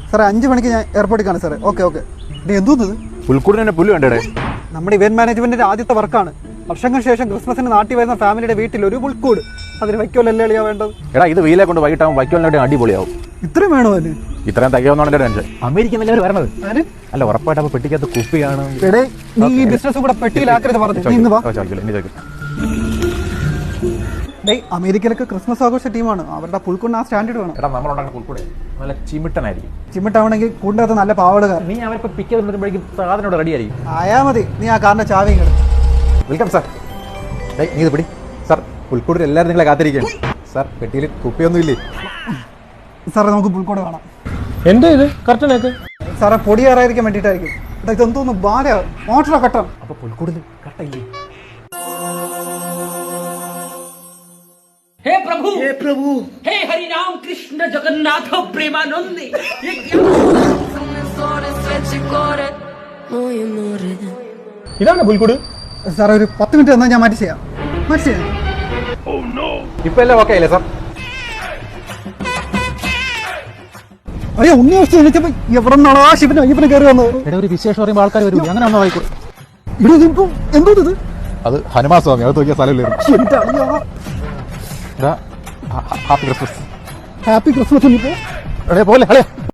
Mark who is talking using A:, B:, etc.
A: സാറേ 5 മണിക്ക് ഞാൻ എയർപോർട്ടിൽ കാണാം സാറേ. Okay okay. ഇനി എന്തോന്നത്
B: പുൽക്കൂടിനെ പുല്ല് കണ്ടേ?
A: നമ്മുടെ ഇവന്റ് മാനേജ്മെന്റിന്റെ ആദ്യത്തെ വർക്കാണ്. വർഷങ്ങൾക്ക് ശേഷം ക്രിസ്മസിന് നാട്ടിൽ വരുന്ന ഫാമിലിയുടെ വീട്ടിൽ ഒരു പുൽക്കൂട്. അതിന് വൈക്കോലല്ലേ എളിയാ വേണ്ടത്?
B: എടാ ഇത് വെയിലെ കൊണ്ട് വൈകിട്ടാവും വൈക്കോലിനോട് അടിപൊളിയാവും.
A: ഇത്രയും വേണോ അതിന്?
B: ഇത്രയും തയ്യാവുന്ന ടെൻഷൻ. അമേരിക്കൻ എല്ലാവരും വരണത് അല്ല ഉറപ്പായിട്ട്. അപ്പൊ പെട്ടിക്കകത്ത് കുപ്പിയാണ്.
A: നീ ഈ ബിസിനസ് കൂടെ പെട്ടിയിലാക്കരുത് പറഞ്ഞു. അമേരിക്കയിലൊക്കെ ക്രിസ്മസ് ആഘോഷ ടീമാണ്. അവരുടെ പുൽക്കൂടിന് ആ സ്റ്റാൻഡേർഡ് വേണം.
B: എടാ നമ്മളുണ്ടാക്കുന്ന പുൽക്കൂടെ നല്ല ചിമിട്ടനായിരിക്കും.
A: ചിമിട്ടാവണമെങ്കിൽ കൂടിനകത്ത് നല്ല പാവടുകാർ.
B: നീ അവർക്ക് പിക്ക് വരുമ്പോഴേക്കും സാധനം റെഡി ആയിരിക്കും.
A: ആയാ മതി. നീ ആ കാറിന്റെ ചാവിയും കിട്ടും.
B: Welcome sir. നീ ഇത് പിടി സാർ. പുൽക്കൂടിൽ എല്ലാവരും നിങ്ങളെ കാത്തിരിക്കുകയാണ് സാർ. പെട്ടിയിൽ കുപ്പിയൊന്നും ഇല്ലേ
A: സാറേ? നമുക്ക് പുൽക്കൂട് വേണം.
C: എന്താ ഇത് കർട്ടനൊക്കെ?
A: സാറേ പൊടിയേറായിരിക്കാൻ വേണ്ടിയിട്ടായിരിക്കും. ഇതെന്തോന്നു ബാല മോട്ടറോ കട്ടം?
B: അപ്പൊ പുൽക്കൂടിൽ കട്ടയില്ലേ?
D: हे प्रभु, हे प्रभु, हे हरि राम कृष्ण जगन्नाथ प्रेमानंदी। ये क्या?
C: ഇതാണ് പുൽക്കൂട്.
A: സാറേ ഒരു 10 മിനിറ്റ് തന്നാൽ ഞാൻ മാറ്റി ചെയ്യാം.
B: ഇപ്പൊ എല്ലാം ഓക്കെ അല്ലേ സാർ?
A: അയ്യോ ഉണ്ണി വെച്ച് എണീച്ചപ്പോ എവിടെ നിന്നാണോ ആ ശിവന് അയ്യപ്പനെ കയറി വന്നത്?
B: എടാ ഒരു വിശേഷം പറയുമ്പോൾ ആൾക്കാർ വരും. അങ്ങനെ ഒന്നും ആയിക്കോട്ടെ.
A: ഇവിടെ ഇതിപ്പോ എന്തോ ഇത്?
B: അത് ഹനുമാൻ സ്വാമി. അത് നോക്കിയ സ്ഥലമില്ലായിരുന്നു.
A: എന്റെ അളിയാ.
B: Happy Christmas.
A: Happy Christmas.
B: പോലെ